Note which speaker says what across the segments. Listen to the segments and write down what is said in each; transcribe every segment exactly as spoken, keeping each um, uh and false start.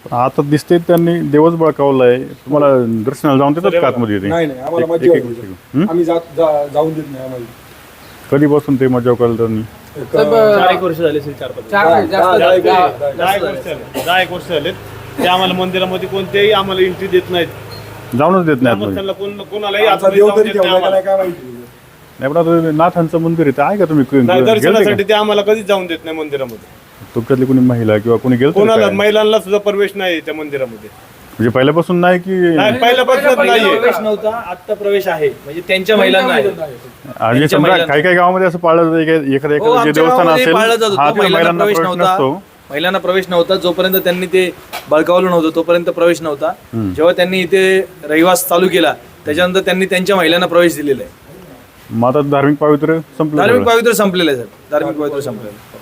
Speaker 1: आता दिसते त्यांनी देवच बळकावलाय. तुम्हाला दर्शनाला जाऊन देतात का आतमध्ये ते?
Speaker 2: नाही नाही आम्हाला मजा येते. आम्ही जात जा- जाऊन देत नाही आम्हाला.
Speaker 1: कधीपासून ते मजा करायला त्यांनी?
Speaker 3: चार एक वर्ष झाले असेल, चार पाच
Speaker 2: दहा- दहा- दहा-
Speaker 3: दहा एक वर्ष झाले दहा एक वर्ष झालेत ते आम्हाला मंदिरामध्ये कोणतेही आम्हाला एंट्री देत नाहीत.
Speaker 1: जाऊनच देत नाही आतमध्ये.
Speaker 3: त्यांना कोण कोणालाही
Speaker 2: आमचा
Speaker 3: आतमध्ये
Speaker 2: देव
Speaker 3: जाऊन
Speaker 2: तरी
Speaker 3: देत नाही
Speaker 2: ठेवला का
Speaker 3: आम्हाला.
Speaker 2: नाही काय माहिती.
Speaker 1: नाही पण आता नाथांचं मंदिर आहे, आहे का तुम्ही
Speaker 3: नाही,
Speaker 1: गेलते
Speaker 3: दर्शनासाठी
Speaker 1: का?
Speaker 3: ते आम्हाला कधीच जाऊन देत नाही मंदिरामध्ये.
Speaker 1: तुमच्यातली कोणी महिला किंवा कोणी गेलं
Speaker 3: कोणाला महिलांना सुद्धा प्रवेश नाही त्या मंदिरामध्ये.
Speaker 1: म्हणजे पहिल्यापासून नाही की
Speaker 3: नाही, पहिल्यापासूनच नाहीये.
Speaker 4: प्रवेश नव्हता, आता प्रवेश आहे. म्हणजे त्यांच्या महिलांना आहे.
Speaker 1: आणि समजा काही काही गावामध्ये असं पाळलं जातं की एखाद्या
Speaker 4: हो,
Speaker 1: एखादं जे
Speaker 4: आमच्या
Speaker 1: देवस्थान
Speaker 4: गावामध्ये
Speaker 1: असेल
Speaker 4: पाळलं जात होतं.
Speaker 1: हा तिथे
Speaker 4: महिलांना
Speaker 1: महिलांना
Speaker 4: प्रवेश
Speaker 1: प्रवेश
Speaker 4: नव्हता.
Speaker 1: नसतो.
Speaker 4: महिलांना प्रवेश नव्हता. जोपर्यंत त्यांनी ते बळकावलं नव्हतं तोपर्यंत प्रवेश नव्हता. जेव्हा त्यांनी इथे रहिवास चालू केला त्याच्यानंतर त्यांनी त्यांच्या महिलांना प्रवेश दिलेला आहे.
Speaker 1: मग आता धार्मिक पावित्र्य संपलं.
Speaker 4: धार्मिक
Speaker 1: सगळं.
Speaker 4: पावित्र्य संपलेलं आहे सर. धार्मिक पावित्र्य संपलेलं आहे.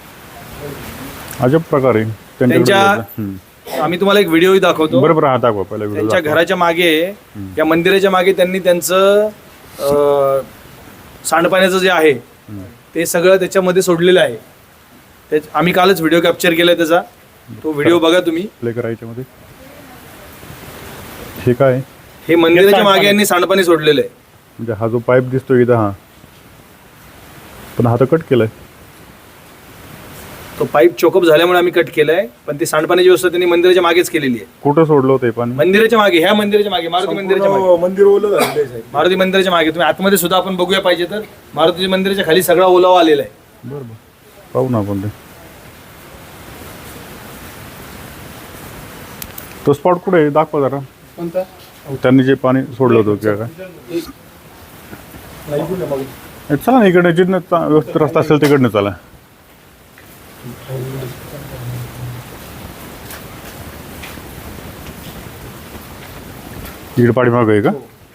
Speaker 1: अजब प्रकारे
Speaker 4: त्यांच्या
Speaker 1: हम्म.
Speaker 4: आम्ही तुम्हाला एक व्हिडिओही दाखवतो.
Speaker 1: बरोबर हा दाखवा पहिला व्हिडिओ
Speaker 4: त्यांच्या घराच्या मागे या मंदिराच्या मागे त्यांनी त्यांचं अं, सांडपाण्याचं जे आहे ते सगळं त्याच्यामध्ये सोडलेलं आहे. ते आम्ही कालच व्हिडिओ कॅप्चर केलाय त्याचा. तो व्हिडिओ बघा तुम्ही.
Speaker 1: प्ले करायच्या मध्ये हे काय
Speaker 4: हे मंदिराच्या मागे यांनी सांडपाणी सोडलेलं आहे.
Speaker 1: म्हणजे हा जो पाईप दिसतोय इथं हा पण हा तर कट केलाय.
Speaker 4: तो पाईप चोकअप झाल्यामुळे आम्ही कट केलाय. पण ती सांडपाण्याची व्यवस्था त्यांनी मंदिराच्या मागेच केलेली आहे.
Speaker 1: कुठं सोडलं होतं हे पाणी?
Speaker 4: मंदिराच्या मागे, ह्या मंदिराच्या मागे, मारुती मंदिराच्या मागे.
Speaker 2: पूर्ण मंदिर ओलं झालेलं आहे साहेब.
Speaker 4: मारुती मंदिराच्या मागे तुम्ही आतमध्ये सुद्धा आपण बघूया पाहिजे तर मारुती मंदिराच्या खाली सगळा ओलावा आलेला आहे.
Speaker 1: बरं बरं पाहू ना आपण ते. तो स्पॉट कुठे आहे दाखवा जरा.
Speaker 2: कोणता?
Speaker 1: त्यांनी जे पाणी सोडलं होतं किंवा काय
Speaker 2: नाही कुठे मग.
Speaker 1: ए, चला ना इकडे जिथनं चा- व्यवस्थित रस्ता असेल तिकडनं चला. इकडे पाठीमागं आहे का?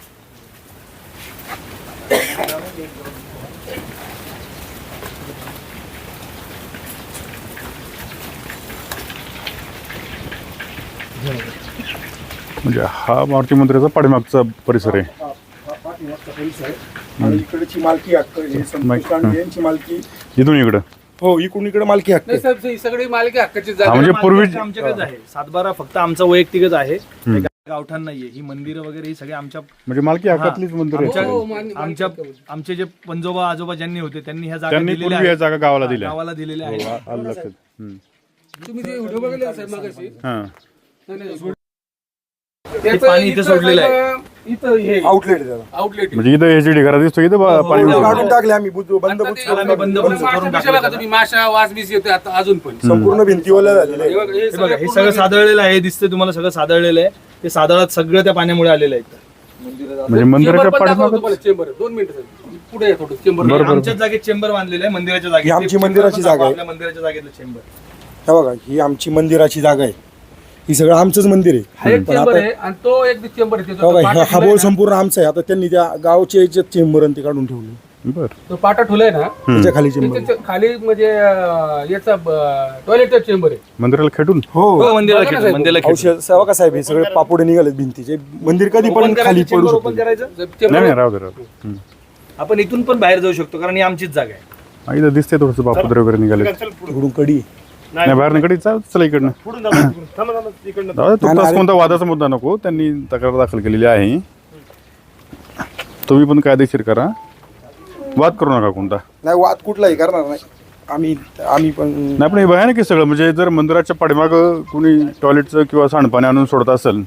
Speaker 1: म्हणजे हा मारुती मंदिराचा पाठीमागचा परिसर आहे.
Speaker 2: हा- हा पाठीमागचा परिसर आहे. आणि इकडची मालकी हक्क हे संतोष कांडे यांची मालकी.
Speaker 1: इथून इकडं
Speaker 2: हो इकडून इकडे मालकी हक्क आहे.
Speaker 5: साहेब ही सगळी मालकी हक्काची
Speaker 1: हा
Speaker 5: जागा
Speaker 1: म्हणजे पूर्वी
Speaker 4: मालकी आमच्याकडेच आहे. सातबारा फक्त आमचा वैयक्तिकच आहे. हे गावठाण नाहीये. ही मंदिरं वगैरे ही सगळी आमच्या
Speaker 1: म्हणजे मालकी हक्कातलीच मंदिर आहे.
Speaker 4: आमच्या-
Speaker 5: हो, मान्य-
Speaker 4: आमच्या आमचे जे पंजोबा आजोबा ज्यांनी होते त्यांनी ह्या जागा
Speaker 1: त्यांनी
Speaker 4: दिलेल्या
Speaker 1: पूर्वी या
Speaker 4: आहेत.
Speaker 1: जागा गावाला दिल्या.
Speaker 4: गावाला दिलेल्या आहेत.
Speaker 1: हो, आलं लक्षात. हम्म.
Speaker 5: तुम्ही जे व्हिडिओ बघितले साहेब मागाशी
Speaker 1: हां
Speaker 5: नाही, नाही,
Speaker 4: हे पाणी इथे सोडलेलं आहे.
Speaker 5: इथं हे
Speaker 2: आउटलेट आहे त्याला.
Speaker 5: आउटलेट
Speaker 1: म्हणजे इथं एच डी घरात दिसतो इथं बा- पाणी
Speaker 2: ते
Speaker 1: उडतं.
Speaker 2: काढून टाकले आम्ही बुजू- बंद बुज
Speaker 4: त्याला आम्ही बंद करून करून टाकलं.
Speaker 5: तुम्ही माशा वास बीस येतोय आता अजून पण
Speaker 2: संपूर्ण भिंती ओल्या झालेल्या
Speaker 5: हे
Speaker 2: आहे.
Speaker 5: बघा, हे
Speaker 4: हे बघा हे
Speaker 5: सगळं
Speaker 4: सगळं सादळलेलं आहे. हे दिसतंय तुम्हाला सगळं सादळलेलं आहे. ते सादळात सगळं त्या पाण्यामुळे आलेलं आहे.
Speaker 1: म्हणजे मंदिराच्या
Speaker 5: चेंबर पण दाखवतो
Speaker 1: पाठीमागं
Speaker 5: मला, चेंबर दोन मिनिटं पुढे या थोडं चेंबर
Speaker 1: बरोबर.
Speaker 4: आमच्याच जागेत चेंबर बांधलेलं आहे मंदिराच्या जागेत.
Speaker 2: ही आमची
Speaker 4: ते
Speaker 2: मंदिराची
Speaker 4: चेंबर
Speaker 2: जागा आहे.
Speaker 4: आपल्या मंदिराच्या जागेतलं चेंबर.
Speaker 2: हे बघा ही आमची मंदिराची जागा आहे. ही सगळं आमचंच मंदिर आहे.
Speaker 5: हा एक चेंबर आहे आणि तो एक चेंबर आहे
Speaker 2: हे
Speaker 5: तिथं.
Speaker 2: बघा
Speaker 5: तो
Speaker 2: हा-
Speaker 5: पाटा
Speaker 2: हा बोल
Speaker 5: ठेवलाय
Speaker 2: संपूर्ण आमचा आहे. आता त्यांनी त्या गावचे याच्यात चेंबर आणि ते काढून ठेवले.
Speaker 1: बर
Speaker 5: ना, तो पाटा ठेवलाय ना
Speaker 2: त्याच्या खाली चेंबर.
Speaker 5: त्याच्या खाली म्हणजे अं, याचा टॉयलेटचा चेंबर आहे.
Speaker 1: मंदिराला खेटून
Speaker 2: हो
Speaker 4: हो मंदिराला
Speaker 5: बघा ना
Speaker 4: खेटून,
Speaker 5: साहेब.
Speaker 4: मंदिराला खेटून.
Speaker 2: औषध सेवा का साहेब हे सगळे पापुडे निघालेत भिंतीचे. मंदिर कधी पण
Speaker 4: ओपन
Speaker 2: खाली
Speaker 4: करायचं,
Speaker 2: पडू
Speaker 4: चेंबर ओपन
Speaker 2: शकतो.
Speaker 4: करायचं.
Speaker 5: चेंबर
Speaker 1: नाही नाही राहू दे राहू दे. हम्म.
Speaker 4: आपण इथून पण बाहेर जाऊ शकतो कारण ही आमचीच जागा आहे.
Speaker 1: हा, इथं दिसते थोडंसं बापुद्रे वगैरे निघाले.
Speaker 2: इकडून कडी
Speaker 1: नाही बाहेर निकडे चाल चला इकडनं.
Speaker 3: पुढून जाऊ, तिकडून. थांबा, थांबा, इकडनं.
Speaker 1: जाऊ दे, तुमचा कोणता वादाचा मुद्दा नको. त्यांनी तक्रार दाखल केलेली आहे. तुम्ही पण कायदेशीर करा. वाद करू नका कोणता.
Speaker 2: नाही वाद कुठलाही करणार नाही आम्ही. आम्ही पण
Speaker 1: नाही पण हे भयानक आहे सगळं. म्हणजे जर मंदिराच्या पाठीमागं कुणी टॉयलेटचं किंवा सांडपाणी आणून सोडत असेल.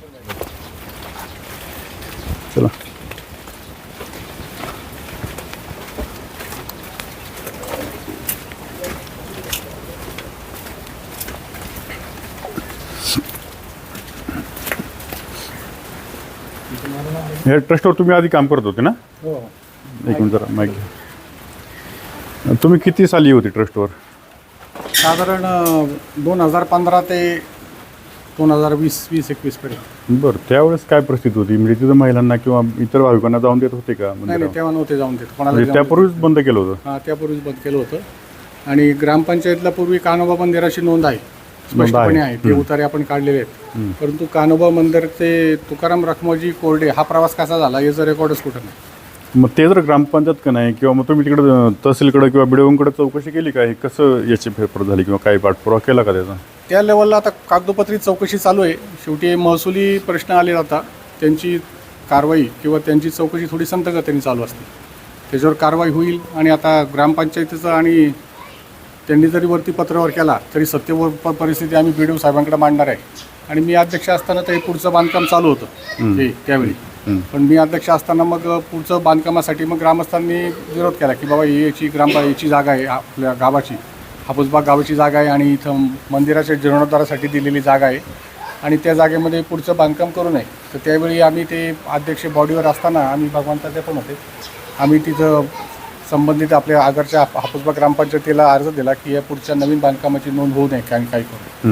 Speaker 1: चला हे ट्रस्टवर तुम्ही आधी काम करत होते ना? एक मिनिट जरा माहिती घ्या. तुम्ही किती साली होती ट्रस्टवर?
Speaker 6: साधारण दोन हजार पंधरा ते दोन हजार वीस वीस एकवीस पर्यंत.
Speaker 1: बरं त्यावेळेस काय परिस्थिती होती? म्हणजे तिथं महिलांना किंवा इतर भाविकांना जाऊन देत होते का
Speaker 6: नाही नाही
Speaker 1: मंदिरावर?
Speaker 6: तेव्हा नव्हते जाऊन देत कोणाला
Speaker 1: म्हणजे
Speaker 6: जाऊन
Speaker 1: त्यापूर्वीच बंद केलं होतं.
Speaker 6: देत. हा त्यापूर्वीच बंद केलं होतं. आणि ग्रामपंचायतला पूर्वी कानोबा मंदिराची नोंद आहे स्पष्टपणे आहे. ते उतारे आपण काढलेले आहेत. परंतु कानोबा मंदिरचे तुकाराम रखमाजी कोरडे हा प्रवास कसा झाला याचं रेकॉर्डच कुठं नाही.
Speaker 1: मग ते जर ग्रामपंचायत का नाही किंवा मग तुम्ही तिकडे तहसीलकडे किंवा बिडवूंकडे चौकशी केली का? हे कसं याची फेरफार झाली किंवा काही पाठपुरावा केला का त्याचा?
Speaker 6: त्या लेवलला आता कागदोपत्री चौकशी चालू आहे. शेवटी महसुली प्रश्न आले आता त्यांची कारवाई किंवा त्यांची चौकशी थोडी संथगतीने चालू असते. त्याच्यावर कारवाई होईल आणि आता ग्रामपंचायतीचं आणि त्यांनी जरी वरती पत्रावर केला तरी सत्य परिस्थिती आम्ही बी डी ओ साहेबांकडे मांडणार आहे. आणि मी अध्यक्ष असताना ते पुढचं बांधकाम चालू होतं ते त्यावेळी, पण मी अध्यक्ष असताना मग पुढचं बांधकामासाठी मग ग्रामस्थांनी विरोध केला की बाबा ही याची ग्राम याची जागा आहे आपल्या गावाची, हापूसबाग गावाची जागा आहे आणि इथं मंदिराच्या जीर्णोद्धारासाठी दिलेली जागा आहे आणि त्या जागेमध्ये पुढचं बांधकाम करू नये. तर त्यावेळी आम्ही ते अध्यक्ष बॉडीवर असताना आम्ही भगवंताचे पण होते, आम्ही तिथं संबंधित आपल्या आगरच्या हापूसबाग ग्रामपंचायतीला अर्ज दिला की या पुढच्या नवीन बांधकामाची नोंद होऊ नये काही काही करू.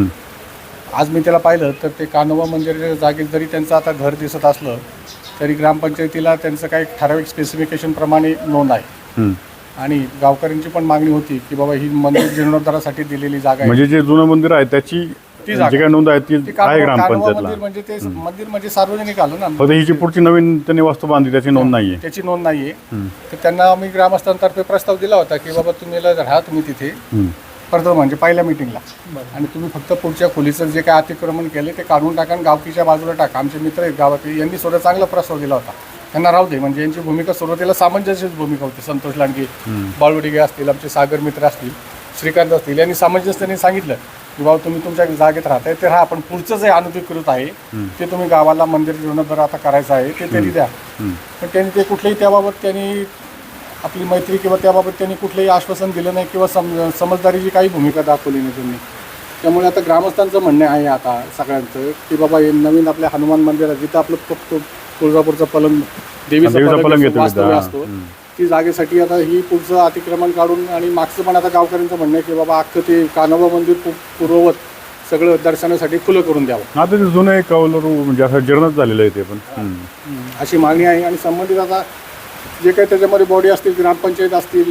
Speaker 6: आज मी त्याला पाहिलं तर ते कान्होबा मंदिराच्या जागेत जरी त्यांचं आता घर दिसत असलं तरी ग्रामपंचायतीला त्यांचं काही ठराविक स्पेसिफिकेशनप्रमाणे नोंद आहे आणि गावकऱ्यांची पण मागणी होती की बाबा ही मंदिर जीर्णोद्धारासाठी दिलेली जागा आहे.
Speaker 1: म्हणजे जे जुनं मंदिर आहे त्याची
Speaker 6: ती
Speaker 1: जी
Speaker 6: जागा.
Speaker 1: काय नोंद आहे ती
Speaker 6: ती
Speaker 1: आहे
Speaker 6: कान्होबा
Speaker 1: ग्रामपंचायतला.
Speaker 6: मंदिर म्हणजे ते मंदिर म्हणजे सार्वजनिक आलं ना,
Speaker 1: फक्त ही जी पुढची नवीन त्यांनी वास्तू बांधली त्याची नोंद नाहीये.
Speaker 6: त्याची नोंद नाहीये. तर त्यांना आम्ही ग्रामस्थांतर्फे प्रस्ताव दिला होता की बाबा तुम्ही राहा तुम्ही तिथे प्रथम म्हणजे पहिल्या मिटिंगला आणि तुम्ही फक्त पुढच्या खोलीचं जे काय अतिक्रमण केले ते काढून टाका आणि गावकीच्या बाजूला टाका. आमचे मित्र आहेत गावात यांनी सुद्धा चांगला प्रस्ताव दिला होता, त्यांना राहू दे. म्हणजे यांची भूमिका सुरुवातीला सामंजस्यच भूमिका होती. संतोष लांडगे, बाळवडिगे असतील, आमचे सागर मित्र असतील, श्रीकांत असतील, यांनी सामंजस्याने सांगितलं की बाबा तुम्ही तुमच्या जागेत राहताय ते राहा, पण पुढचं जे अनधिकृत आहे ते तुम्ही गावाला मंदिर जीर्णोद्धार आता करायचं आहे ते तरी द्या. पण त्यांनी ते कुठलेही त्याबाबत त्यांनी आपली मैत्री किंवा त्याबाबत त्यांनी कुठलंही आश्वासन दिलं नाही किंवा सम समजदारीची काही भूमिका दाखवली नाही त्यांनी. त्यामुळे आता ग्रामस्थांचं म्हणणं आहे आता सगळ्यांचं की बाबा हे नवीन आपल्या हनुमान मंदिरात जिथं आपलं तो तुळजापूरचं पलंग देवीचं पलंग वास्तव्य असतो ती जागेसाठी आता ही पुढचं अतिक्रमण काढून आणि मागचं पण आता गावकऱ्यांचं म्हणणं आहे की बाबा अख्खं ते कान्होबा मंदिर पूर्ववत सगळं दर्शनासाठी खुलं करून द्यावं.
Speaker 1: आता ते जुनं एक कौलरू म्हणजे असं जीर्णच झालेलं आहे ते पण
Speaker 6: अशी मागणी आहे. आणि संबंधित आता जे काही त्याच्यामध्ये बॉडी असतील, ग्रामपंचायत असतील,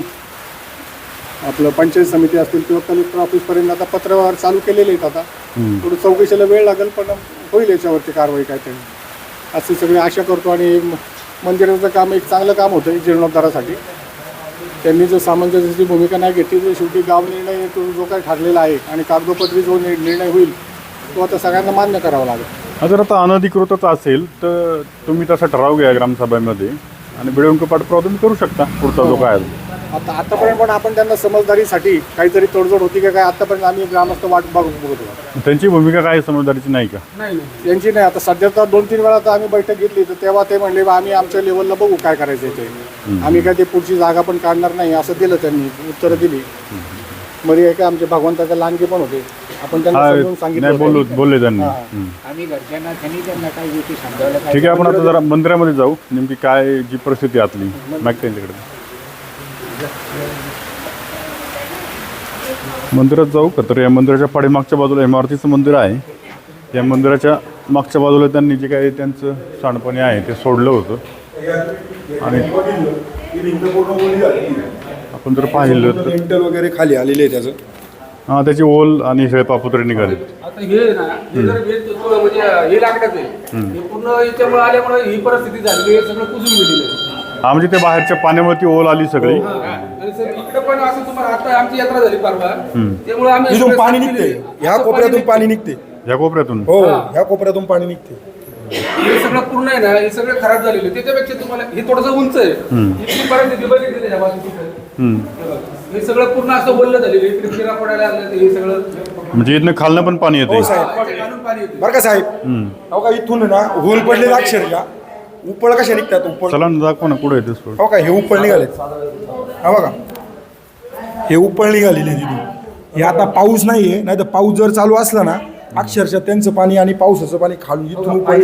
Speaker 6: आपलं पंचायत समिती असतील किंवा कलेक्टर ऑफिसपर्यंत आता पत्रव्यवहार चालू केलेले आहेत. आता थोडं चौकशीला वेळ लागेल पण होईल याच्यावरती कारवाई काहीतरी अशी सगळी आशा करतो. आणि मंदिराचं काम एक चांगलं काम होतं जीर्णोद्धारासाठी. त्यांनी जर सामंजस्याची भूमिका नाही घेतली तर शेवटी गाव निर्णय तो जो काही ठरलेला आहे आणि कागदोपत्री जो निर्णय होईल तो आता सगळ्यांना मान्य करावा लागेल.
Speaker 1: जर आता अनधिकृतच असेल तर तुम्ही तसा ठराव घ्या ग्रामसभेमध्ये आणि बिडवंक पाठपुरावा तुम्ही करू शकता पुढचा जो काय
Speaker 6: आता आतापर्यंत पण आपण त्यांना समजदारीसाठी काहीतरी तोडजोड होती का काय आतापर्यंत आम्ही ग्रामस्थ वाट बघत बघतो.
Speaker 1: त्यांची भूमिका काय समजदारीची नाही का?
Speaker 6: नाही त्यांची नाही. आता सध्या तर दोन तीन वेळा तर आम्ही बैठक घेतली तर तेव्हा ते म्हणले बा आम्ही आमच्या लेवलला बघू काय करायचं ते, आम्ही काय ते पुढची जागा पण काढणार नाही असं दिलं त्यांनी, उत्तरं दिली. मध्ये काय आमचे भगवंताचे लांडगे पण होते, आपण त्यांना समजून सांगितलं
Speaker 1: बोललो बोलले त्यांनी.
Speaker 5: आम्ही घरच्यांना त्यांनी त्यांना काही गोष्टी समजावल्या.
Speaker 1: ठीक आहे, आपण आता जरा मंदिरामध्ये जाऊ, नेमकी काय जी परिस्थिती आतली माग त्यांच्याकडे मंदिरात जाऊ का. तर या मंदिराच्या पाठीमागच्या बाजूला इमारतीचं मंदिर आहे. या मंदिराच्या मागच्या बाजूला त्यांनी जे काही त्यांचं सांडपाणी आहे ते सोडलं होतं आणि आपण जर पाहिलं तर
Speaker 2: लिंटल वगैरे खाली आलेले आहे त्याचं.
Speaker 1: हां त्याची ओल आणि शेळपापुत्रे निघाले.
Speaker 5: आता हे ना हे जर हे तो- म्हणजे हे लागण्याचं आहे हे पूर्ण याच्यामुळे आल्यामुळे ही परिस्थिती झाली, हे सगळं कुजून गेलेलं आहे.
Speaker 1: हा म्हणजे ते बाहेरच्या पाण्यावरती ओल आली सगळी.
Speaker 5: आणि सर इकडे पण असं तुम्हाला आता आमची यात्रा झाली परवा, त्यामुळे आम्ही
Speaker 2: इथून
Speaker 5: सगळं
Speaker 2: पाणी
Speaker 5: साफ
Speaker 2: निघते,
Speaker 5: केलंय.
Speaker 2: ह्या
Speaker 5: असं
Speaker 2: कोपऱ्यातून पाणी निघते.
Speaker 1: या कोपऱ्यातून
Speaker 2: हो ह्या कोपऱ्यातून पाणी निघते.
Speaker 5: हे सगळं पूर्ण आहे ना, हे सगळं खराब झालेलं आहे. त्याच्यापेक्षा तुम्हाला हे थोडंसं उंच आहे, इतकी परिस्थिती बघितली त्याच्या बाजूला. हे सगळं पूर्ण असं बोललं झालेलं आहे, इकडे फिरा पडायला लागलं तर हे सगळं
Speaker 1: म्हणजे इथनं खालनं पण पाणी येते.
Speaker 2: हो साहेब,
Speaker 5: घालून पाणी येतं.
Speaker 2: बरं का साहेब, हो का इथून ना होल पडले अक्षरशः उपळ कशा निघतात उपळ.
Speaker 1: चला ना दाखव ना कुठे येते सोड.
Speaker 2: हो का हे उपळ निघाले, हा बघा हे उपळ निघालेले तिथून. हे आता पाऊस नाहीये, नाही तर पाऊस जर चालू असला ना अक्षरशः त्यांचं पाणी आणि पावसाचं पाणी खालून इथून उपळ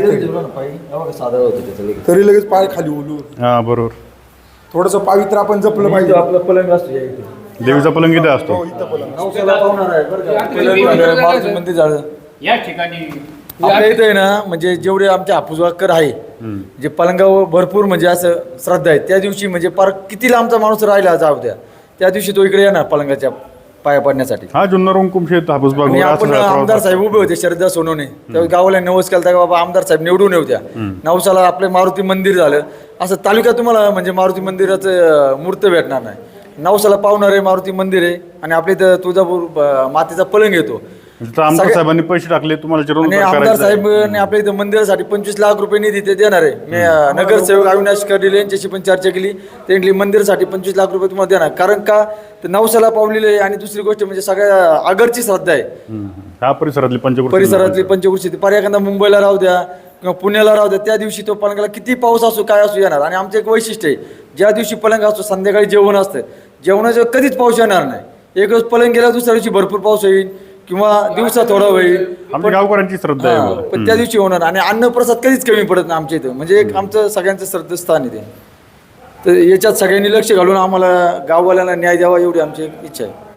Speaker 2: तरी लगेच पाय खाली ओलू.
Speaker 1: हा बरोबर.
Speaker 2: थोडंसं पावित्र आपण जपलं पाहिजे.
Speaker 7: आपलं पलंग असतो या इथे.
Speaker 1: देवीचा पलंग इथे असतो.
Speaker 2: हो इथं पलंग.
Speaker 7: नवसाला पावणार आहे बरं का.
Speaker 5: आमच्या
Speaker 7: पलंग
Speaker 5: इथे
Speaker 7: झालं,
Speaker 5: इथे
Speaker 7: मारुती
Speaker 5: झालं.
Speaker 7: मंदिर झालं.
Speaker 5: या ठिकाणी
Speaker 7: आपल्या इथं आहे ना म्हणजे जेवढे आमचे हापूसवाकर आहे जे पलंगावर भरपूर म्हणजे असं श्रद्धा आहे, त्या दिवशी म्हणजे पार किती लांबचा माणूस राहिला जाऊ द्या त्या दिवशी तो इकडे येणार पलंगाच्या पाया पडण्यासाठी.
Speaker 1: हा जुन्नर कुमशेत हापूसबाग
Speaker 7: आणि आपण आमदार साहेब उभे होते श्रद्धा सोनवणे, त्यावेळी गावाला नवस केला की बाबा आमदार साहेब निवडून येऊ द्या. नवसाला आपले मारुती मंदिर झालं, असं तालुक्यात तुम्हाला म्हणजे मारुती मंदिराचं मूर्त भेटणार नाही. नवसाला पावणार आहे मारुती मंदिर आहे आणि आपल्या इथं तुळजापूर अं, मातेचा पलंग येतो.
Speaker 1: म्हणजे आमदार
Speaker 7: सगळ्या-
Speaker 1: साहेबांनी पैसे टाकले तुम्हाला
Speaker 7: आणि
Speaker 1: जीर्णोद्धार
Speaker 7: आमदार
Speaker 1: करायचा आहे.
Speaker 7: साहेबांनी आपल्या इथं मंदिरासाठी पंचवीस लाख रुपये निधी ते देणार आहे. मी अं, नगरसेवक अविनाश कर्डिले यांच्याशी पण चर्चा केली. ते म्हटली मंदिरासाठी पंचवीस लाख रुपये तुम्हाला देणार, कारण का तर नवसाला पावलेले आहे. आणि दुसरी गोष्ट म्हणजे सगळ्या आगरची श्रद्धा आहे.
Speaker 1: हम्म. ह्या परिसरातली पंचकृषी
Speaker 7: परिसरातली पंचकृषी पर एखादा मुंबईला राहू द्या किंवा पुण्याला राहू द्या, त्या दिवशी तो पलंगाला किती पाऊस असो काय असो येणार. आणि आमचं एक वैशिष्ट्य आहे, ज्या दिवशी पलंग असतो संध्याकाळी जेवण असतं, जेवणाचं कधीच पाऊस येणार नाही. एक दिवस पलंग गेला दुसऱ्या दिवशी भरपूर पाऊस होईल किंवा दिवसा थोडा होईल,
Speaker 1: आमच्या गावकऱ्यांची श्रद्धा आहे
Speaker 7: हा,
Speaker 1: बघा.
Speaker 7: पण त्या दिवशी होणार. आणि अन्नप्रसाद कधीच कमी पडत नाही आमच्या इथं, म्हणजे एक आमचं सगळ्यांचं श्रद्धास्थान आहे ते. तर याच्यात सगळ्यांनी लक्ष घालून आम्हाला गाववाल्यांना न्याय द्यावा एवढी आमची एक इच्छा आहे.